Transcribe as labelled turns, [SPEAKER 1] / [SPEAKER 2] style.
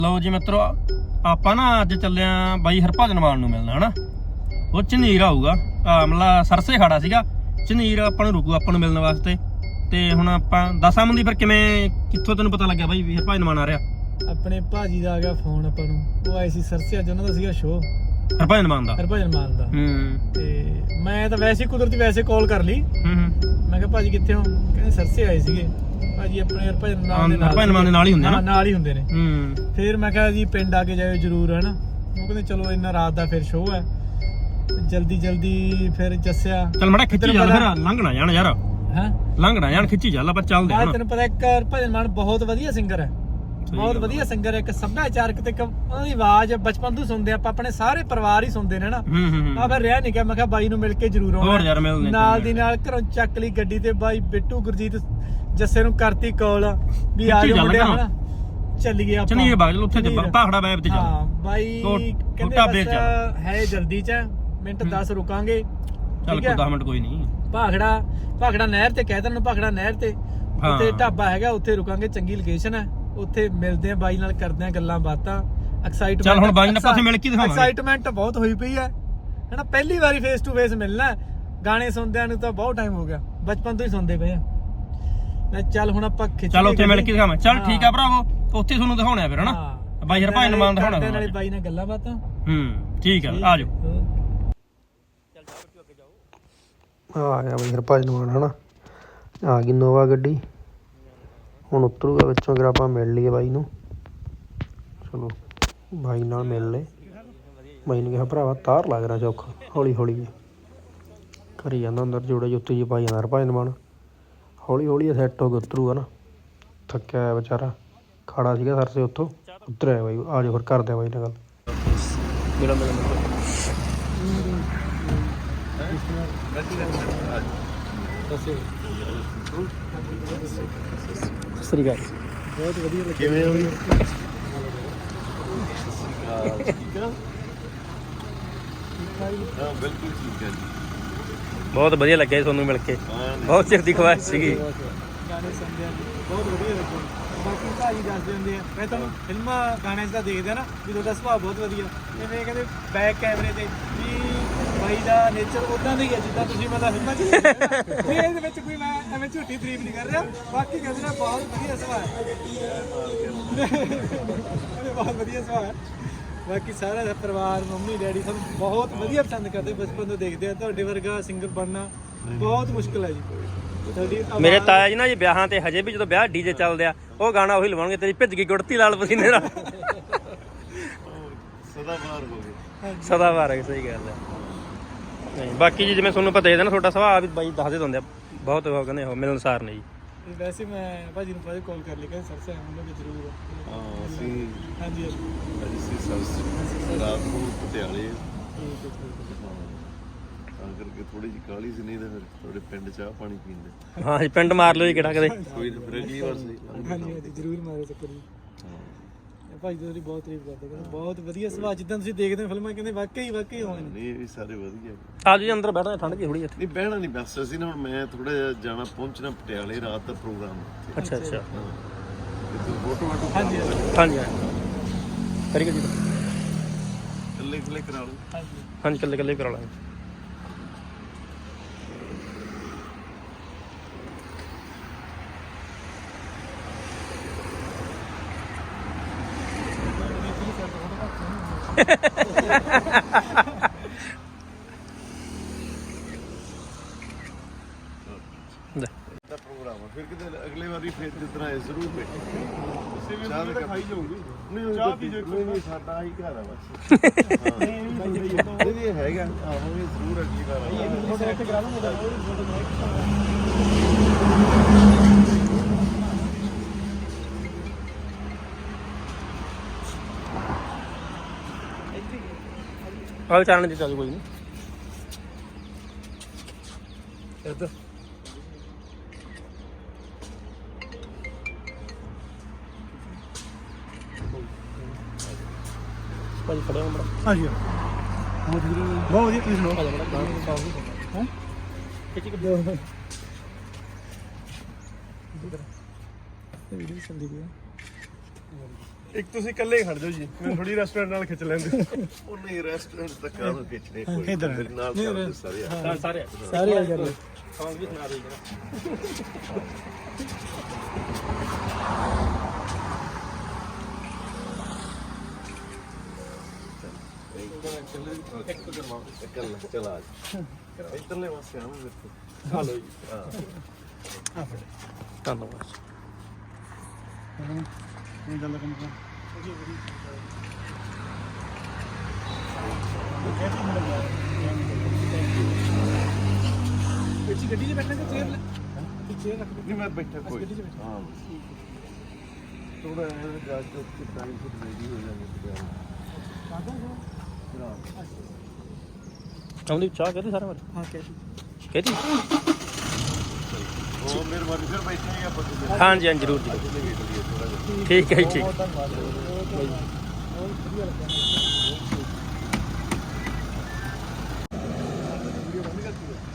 [SPEAKER 1] ਲਓ ਜੀ ਮਿੱਤਰੋ, ਆਪਾਂ ਨਾ ਅੱਜ ਚੱਲੇ ਆਂ ਬਾਈ ਹਰਭਜਨ ਮਾਨ ਨੂੰ ਮਿਲਣਾ ਹਨਾ। ਉਹ ਝਨੀਰ ਆਊਗਾ, ਮਤਲਬ ਸਰਸੇ ਖੜਾ ਸੀਗਾ। ਝਨੀਰ ਆਪਾਂ ਨੂੰ ਰੁਕੂ ਆਪਾਂ ਨੂੰ ਮਿਲਣ ਵਾਸਤੇ। ਤੇ ਹੁਣ ਆਪਾਂ ਦੱਸਾਂ ਮੰਦੀ ਫਿਰ ਕਿਵੇਂ ਕਿੱਥੋਂ ਤੈਨੂੰ ਪਤਾ ਲੱਗਿਆ ਬਾਈ ਵੀ ਹਰਭਜਨ ਮਾਨ ਆ ਰਿਹਾ?
[SPEAKER 2] ਆਪਣੇ ਭਾਜੀ ਦਾ ਆ ਗਿਆ ਫੋਨ ਆਪਾਂ ਨੂੰ, ਉਹ ਆਏ ਸੀ ਸਰਸੇ, ਅੱਜ ਉਹਨਾਂ ਦਾ ਸੀਗਾ ਸ਼ੋਅ
[SPEAKER 1] ਹਰਭਜਨ ਮਾਨ ਦਾ।
[SPEAKER 2] ਤੇ ਮੈਂ ਤਾਂ ਵੈਸੇ ਕੁਦਰਤੀ ਵੈਸੇ ਕਾਲ ਕਰ ਲਈ। ਮੈਂ ਕਿਹਾ ਭਾਜੀ ਕਿੱਥੇ ਹੋ? ਕਹਿੰਦੇ ਸਰਸੇ ਆਏ ਸੀਗੇ। ਭਾਜੀ ਆਪਣੇ ਹਰਭਜਨ ਮਾਨ ਦੇ ਨਾਲ ਹੀ ਹੁੰਦੇ ਨੇ, ਨਾਲ ਹੀ ਹੁੰਦੇ ਨੇ। ਫਿਰ ਮੈਂ ਕਿਹਾ ਜੀ ਪਿੰਡ ਆ ਕੇ ਜਾਇਓ ਜ਼ਰੂਰ ਹਨਾ। ਉਹ ਕਹਿੰਦੇ ਚਲੋ ਇੰਨਾ ਰਾਤ ਦਾ ਫਿਰ ਸ਼ੋਅ ਹੈ, ਜਲਦੀ ਫਿਰ ਦੱਸਿਆ
[SPEAKER 1] ਚੱਲ ਮੜਾ ਖਿੱਚੀ ਚੱਲ, ਫਿਰ ਲੰਘਣਾ ਜਾਣ ਯਾਰ।
[SPEAKER 2] ਹਾਂ
[SPEAKER 1] ਲੰਘਣਾ ਜਾਣ, ਖਿੱਚੀ ਚੱਲ, ਆਪਾਂ ਚੱਲਦੇ ਹਾਂ।
[SPEAKER 2] ਤੈਨੂੰ ਪਤਾ ਇੱਕ ਹਰਭਜਨ ਮਾਨ ਬਹੁਤ ਵਧੀਆ ਸਿੰਗਰ ਹੈ, ਬਹੁਤ ਵਧੀਆ ਸਿੰਗਰ ਹੈ। ਇੱਕ ਸੱਭਿਆਚਾਰਕ ਤੇ ਉਹਨਾਂ ਦੀ ਆਵਾਜ਼ ਬਚਪਨ ਤੋਂ ਸੁਣਦੇ ਆਪਾਂ, ਆਪਣੇ ਸਾਰੇ ਪਰਿਵਾਰ ਹੀ ਸੁਣਦੇ ਨੇ ਨਾ। ਆ ਫਿਰ ਰਿਹਾ ਨਹੀਂ ਕਿ ਮੈਂ ਕਿਹਾ ਬਾਈ ਨੂੰ ਮਿਲ ਕੇ ਜ਼ਰੂਰ ਆਉਣਾ। ਨਾਲ ਦੀ ਨਾਲ ਘਰੋਂ ਚੱਕ ਲਈ ਗੱਡੀ ਤੇ ਬਾਈ ਬਿੱਟੂ ਗੁਰਜੀਤ ਜੱਸੇ ਨੂੰ ਕਰਤੀ ਕਾਲ ਵੀ ਆ ਜਾਓ ਮੁੰਡਿਆ ਹਨਾ, ਚੱਲੀਏ ਆਪਾਂ
[SPEAKER 1] ਚਲੀਏ ਬਾਗ ਚਲ ਉੱਥੇ ਭਾਖੜਾ ਬੈਬ ਤੇ ਚੱਲ।
[SPEAKER 2] ਹਾਂ ਬਾਈ ਕਹਿੰਦੇ ਹੈ ਜਲਦੀ ਚ ਮਿੰਟ 10 ਰੁਕਾਂਗੇ।
[SPEAKER 1] ਚੱਲ ਕੋਈ 10 ਮਿੰਟ ਕੋਈ ਨਹੀਂ।
[SPEAKER 2] ਭਾਖੜਾ ਨਹਿਰ ਤੇ ਕਹਿ ਦੇਣ, ਭਾਖੜਾ ਨਹਿਰ ਤੇ ਉੱਥੇ ਢਾਬਾ ਹੈਗਾ, ਉੱਥੇ ਰੁਕਾਂਗੇ। ਚੰਗੀ ਲੋਕੇਸ਼ਨ ਹੈ, ਉੱਥੇ ਮਿਲਦੇ ਆ ਬਾਈ ਨਾਲ, ਕਰਦੇ ਆ ਗੱਲਾਂ ਬਾਤਾਂ। ਐਕਸਾਈਟਮੈਂਟ,
[SPEAKER 1] ਚੱਲ ਹੁਣ ਬਾਈ ਨਾਲ ਪਾਸੇ ਮਿਲ ਕੇ ਦਿਖਾਵਾਂਗੇ।
[SPEAKER 2] ਐਕਸਾਈਟਮੈਂਟ ਬਹੁਤ ਹੋਈ ਪਈ ਹੈ ਹਨਾ, ਪਹਿਲੀ ਵਾਰੀ ਫੇਸ ਟੂ ਫੇਸ ਮਿਲਣਾ। ਗਾਣੇ ਸੁਣਦਿਆਂ ਨੂੰ ਤਾਂ ਬਹੁਤ ਟਾਈਮ ਹੋ ਗਿਆ, ਬਚਪਨ ਤੋਂ ਹੀ ਸੁਣਦੇ ਪਏ ਆ। ਮੈਂ ਚੱਲ ਹੁਣ ਆਪਾਂ ਖਿੱਚ,
[SPEAKER 1] ਚੱਲ ਉੱਥੇ ਮਿਲ ਕੇ ਦਿਖਾਵਾਂ। ਚੱਲ ਠੀਕ ਆ ਭਰਾਵੋ, ਉੱਥੇ ਤੁਹਾਨੂੰ ਦਿਖਾਉਣਾ ਫਿਰ ਹਨਾ, ਬਾਈ ਹਰਭਜਨ ਮਾਨ ਦਿਖਾਉਣਾ
[SPEAKER 2] ਨਾਲੇ ਬਾਈ ਨਾਲ ਗੱਲਾਂ ਬਾਤਾਂ।
[SPEAKER 1] ਠੀਕ ਆ, ਆ ਜਾਓ।
[SPEAKER 3] ਆ ਗਿਆ ਬਈ ਹਰਭਜਨ ਮਾਨ ਹਨਾ, ਆ ਗਈ ਨੋਵਾ ਗੱਡੀ। ਹੁਣ ਉਤਰੂਗਾ ਵਿੱਚੋਂ, ਅਗਰ ਆਪਾਂ ਮਿਲ ਲਈਏ ਬਾਈ ਨੂੰ। ਚਲੋ ਬਾਈ ਨਾਲ ਮਿਲ ਲਏ। ਬਾਈ ਨੇ ਕਿਹਾ ਭਰਾਵਾ ਤਾਰ ਲੱਗ ਰਿਹਾ ਚੌਖਾ, ਹੌਲੀ ਹੌਲੀ ਕਰੀ ਜਾਂਦਾ ਅੰਦਰ ਜੋੜੇ ਜੁੱਤੀ ਜੀ ਪਾਈ ਜਾਂਦਾ ਹਰਭਜਨ ਮਾਨ। ਹੌਲੀ ਹੌਲੀ ਸੈੱਟ ਹੋ ਕੇ ਉਤਰੂਗਾ ਨਾ, ਥੱਕਿਆ ਹੋਇਆ ਵਿਚਾਰਾ, ਖੜਾ ਸੀਗਾ ਸਰਸੇ, ਉੱਥੋਂ ਉਤਰਿਆ ਬਾਈ। ਆ ਜਾਓ ਫਿਰ ਕਰਦੇ ਆ ਬਾਈ ਨਾਲ ਗੱਲ।
[SPEAKER 1] ਸ੍ਰੀ ਅਕਾਲ।
[SPEAKER 2] ਬਹੁਤ ਵਧੀਆ ਲੱਗਿਆ।
[SPEAKER 4] ਕਿਵੇਂ ਹੋ? ਹਾਂ ਬਿਲਕੁਲ ਠੀਕ ਹੈ ਜੀ,
[SPEAKER 1] ਬਹੁਤ ਵਧੀਆ ਲੱਗਿਆ ਤੁਹਾਨੂੰ ਮਿਲ ਕੇ, ਬਹੁਤ ਚਿਰ ਦੀ ਖੁਆਇਸ਼ ਸੀਗੀ।
[SPEAKER 2] ਗਾਣੇ ਸੁਣਦੇ ਆ ਬਹੁਤ ਵਧੀਆ ਲੱਗਿਆ। ਬਾਕੀ ਭਾਜੀ ਦੱਸਦੇ ਹੁੰਦੇ ਆ, ਮੈਂ ਤੁਹਾਨੂੰ ਫਿਲਮਾਂ ਗਾਣਿਆਂ 'ਚ ਤਾਂ ਦੇਖਦੇ ਆ ਨਾ ਵੀ ਤੁਹਾਡਾ ਸੁਭਾਅ ਬਹੁਤ ਵਧੀਆ। ਜਿਵੇਂ ਕਹਿੰਦੇ ਬੈਕ ਕੈਮਰੇ ਤੇ ਵੀ ਬਾਈ ਦਾ ਨੇਚਰ ਉਦਾਂ ਦਾ ਹੀ ਹੈ ਜਿੱਦਾਂ ਤੁਸੀਂ ਮਤਲਬ ਫਿਲਮਾਂ 'ਚ ਦੇਖਦੇ। ਇਹਦੇ ਵਿੱਚ ਕੋਈ ਮੈਂ ਐਵੇਂ ਝੂਠੀ ਤਾਰੀਫ ਨਹੀਂ ਕਰ ਰਿਹਾ, ਬਾਕੀ ਕਹਿੰਦੇ ਨੇ ਬਹੁਤ ਵਧੀਆ ਸੁਭਾਅ ਹੈ। ਬਹੁਤ ਵਧੀਆ ਸੁਭਾਅ ਹੈ। ਬਾਕੀ ਸਾਰਾ ਪਰਿਵਾਰ, ਮੰਮੀ ਡੈਡੀ ਸਭ ਬਹੁਤ ਵਧੀਆ ਪਸੰਦ ਕਰਦੇ, ਬਚਪਨ ਤੋਂ ਦੇਖਦੇ ਆ। ਤੁਹਾਡੇ ਵਰਗਾ ਸਿੰਗਰ ਬਣਨਾ ਬਹੁਤ ਮੁਸ਼ਕਿਲ ਹੈ ਜੀ।
[SPEAKER 1] ਮੇਰੇ ਤਾਇਆ ਜੀ ਨਾ ਜੀ ਵਿਆਹਾਂ ਤੇ ਹਜੇ ਵੀ ਜਦੋਂ ਵਿਆਹ ਡੀਜੇ ਚੱਲਦੇ ਆ, ਉਹ ਗਾਣਾ ਉਹੀ ਲਵਾਉਣਗੇ, ਤੇਰੀ ਭਿੱਜ ਗਈ ਗੁੜਤੀ ਲਾਲ ਪਸੀਨੇ ਨਾਲ।
[SPEAKER 4] ਸਦਾ ਬਾਹਰ ਹੋ ਗਏ,
[SPEAKER 1] ਸਦਾ ਬਾਹਰ ਹੈ, ਸਹੀ ਗੱਲ ਹੈ। ਨਹੀਂ ਬਾਕੀ ਜੀ ਜਿਵੇਂ ਤੁਹਾਨੂੰ ਪਤਾ ਹੀ ਹੈ ਨਾ, ਤੁਹਾਡਾ ਸੁਭਾਅ ਵੀ ਬਾਈ ਦੱਸਦੇ ਹੁੰਦੇ ਆ, ਬਹੁਤ ਉਹ ਕਹਿੰਦੇ ਉਹ ਮਿਲਣਸਾਰ ਨੇ ਜੀ।
[SPEAKER 2] ਵੈਸੇ ਮੈਂ ਭਾਜੀ ਨੂੰ ਪਹਿਲੇ ਕਾਲ ਕਰ ਲਈ, ਕਹਿੰਦੇ ਸਰਸੇ ਆਉਂਗੇ ਜ਼ਰੂਰ।
[SPEAKER 4] ਹਾਂ ਅਸੀਂ
[SPEAKER 2] ਹਾਂਜੀ
[SPEAKER 4] ਅਸੀਂ ਰਾਤ ਨੂੰ ਪਟਿਆਲੇ, ਤਾਂ ਕਰਕੇ ਥੋੜੀ ਜਿਹੀ ਕਾਹਲੀ ਸੀ, ਨਹੀਂ ਤਾਂ ਫਿਰ ਤੁਹਾਡੇ ਪਿੰਡ ਚਾਹ ਪਾਣੀ ਪੀਂਦੇ।
[SPEAKER 1] ਹਾਂ ਜੀ, ਪਿੰਡ ਮਾਰ ਲਓ ਜੀ ਕਿਹੜਾ ਕਦੇ।
[SPEAKER 4] ਕੋਈ ਫਿਰ ਅਗਲੀ ਵਾਰ ਸਹੀ।
[SPEAKER 2] ਹਾਂਜੀ ਜ਼ਰੂਰ ਮਾਰੋ ਚੱਕਰ ਜੀ। ਭਾਜੀ ਤੁਹਾਡੀ ਬਹੁਤ ਤਾਰੀਫ ਕਰਦੇ, ਕਹਿੰਦੇ ਬਹੁਤ ਵਧੀਆ ਸੁਭਾਅ, ਜਿੱਦਾਂ ਤੁਸੀਂ ਦੇਖਦੇ ਹੋ ਫਿਲਮਾਂ, ਕਹਿੰਦੇ ਵਾਕਈ ਹੋਣੇ।
[SPEAKER 4] ਨਹੀਂ ਇਹ ਵੀ ਸਾਰੇ ਵਧੀਆ।
[SPEAKER 1] ਆਜੋ ਜੀ ਅੰਦਰ ਬੈਠਣਾ, ਠੰਡ ਜੀ ਥੋੜੀ ਇੱਥੇ।
[SPEAKER 4] ਨਹੀਂ ਬਹਿਣਾ ਨਹੀਂ, ਬਸ ਅਸੀਂ ਨਾ ਹੁਣ ਮੈਂ ਥੋੜਾ ਜਿਹਾ ਜਾਣਾ, ਪਹੁੰਚਣਾ ਪਟਿਆਲੇ, ਰਾਤ ਦਾ ਪ੍ਰੋਗਰਾਮ।
[SPEAKER 1] ਅੱਛਾ
[SPEAKER 4] ਫੋਟੋ ਵਾਟੋ
[SPEAKER 2] ਹਾਂਜੀ
[SPEAKER 1] ਹਾਂਜੀ ਕਰੀ ਜੀ,
[SPEAKER 4] ਕੱਲੇ ਕਰਾ ਲਓ।
[SPEAKER 1] ਹਾਂਜੀ ਕੱਲੇ ਕਰਾ ਲਾਂਗੇ।
[SPEAKER 4] ਪ੍ਰੋਗਰਾਮ ਫਿਰ ਕਿਤੇ ਅਗਲੇ ਵਾਰੀ ਫਿਰ ਜਿਸ ਤਰ੍ਹਾਂ ਜ਼ਰੂਰ ਬੈਠੇ। ਤੁਸੀਂ ਵੀ ਚਾਹ ਤਾਂ ਖਾਈ ਜਾਓਗੇ? ਨਹੀਂ ਚਾਹ ਪੀ ਜਾਓ। ਨਹੀਂ ਸਾਡਾ ਹੀ ਘਰ ਆ ਬਸ। ਇਹ ਹੈਗਾ ਆਹੋ, ਇਹ ਜ਼ਰੂਰ ਅਗਲੀ ਵਾਰ
[SPEAKER 1] ਆਹ ਚਾਲਣ ਦੀ ਚੱਲ ਕੋਈ ਨਹੀਂ।
[SPEAKER 2] ਇੱਧਰ
[SPEAKER 1] ਭਾਜੀ ਖੜੇ ਹੋ ਬੜਾ।
[SPEAKER 2] ਹਾਂਜੀ ਬਹੁਤ ਵਧੀਆ, ਤੁਸੀਂ ਸੁਣਾਓ? ਹਾਂ
[SPEAKER 1] ਖਿੱਚ ਕੇ
[SPEAKER 2] ਵੀਡੀਓ ਚੱਲਦੀ ਪਈ ਹੈ। ਇੱਕ ਤੁਸੀਂ ਇਕੱਲੇ ਖੜ ਜਾਓ ਜੀ ਮੈਂ ਥੋੜੀ ਰੈਸਟੋਰੈਂਟ ਨਾਲ ਖਿੱਚ ਲੈਂਦੇ
[SPEAKER 4] ਉਹ ਨਹੀਂ ਰੈਸਟੋਰੈਂਟ ਤੱਕ ਕਾਹਨੂੰ ਖਿੱਚਣੇ ਕੋਈ ਮੇਰੇ ਨਾਲ ਚੱਲਦੇ ਸਾਰੇ ਆ।
[SPEAKER 1] ਸਾਰੇ
[SPEAKER 2] ਸਾਰੇ ਆ ਜਾਂਦੇ
[SPEAKER 1] ਸੌਂਗ ਵੀ ਸੁਣਾ ਦੇ
[SPEAKER 4] ਇਕੱਲਾ ਚਲਾ ਇੱਧਰਲੇ ਪਾਸੇ ਆਵਾਂ ਮੇਰੇ ਕੋਲ ਹਾਲੋ ਜੀ ਹਾਂ
[SPEAKER 1] ਧੰਨਵਾਦ
[SPEAKER 2] ਇਹ ਗੱਲ ਕੰਮ ਪਿੱਛੇ ਗੱਡੀ 'ਚ ਬੈਠਣਾ ਕਿ ਚੇਅਰ ਰੱਖ
[SPEAKER 4] ਨਹੀਂ ਮੈਂ ਬੈਠਾ ਕੋਈ ਹਾਂ ਥੋੜਾ ਜਾ ਕੇ ਟਾਈਮ ਤੋਂ ਰੈਡੀ ਹੋ ਜਾਂਦੇ
[SPEAKER 1] ਆਉਂਦੀ ਚਾਹ ਕਹਦੇ ਸਾਰਾ ਵਾਰ
[SPEAKER 2] ਹਾਂ
[SPEAKER 1] ਕਹਦੀ
[SPEAKER 4] ਉਹ ਮਿਹਰਬਾਨੀ ਫਿਰ ਬੈਠੇ ਹੀ ਆਪਾਂ ਤੁਸੀਂ
[SPEAKER 1] ਹਾਂਜੀ ਹਾਂਜੀ ਜ਼ਰੂਰ ਜੀ
[SPEAKER 4] ਥੋੜਾ ਜਿਹਾ
[SPEAKER 1] ਠੀਕ ਹੈ ਜੀ ਠੀਕ
[SPEAKER 2] ਧੰਨਵਾਦ ਬਹੁਤ ਵਧੀਆ ਲੱਗਿਆ ਵੀਡੀਓ ਬੰਦ ਕਰਤੀ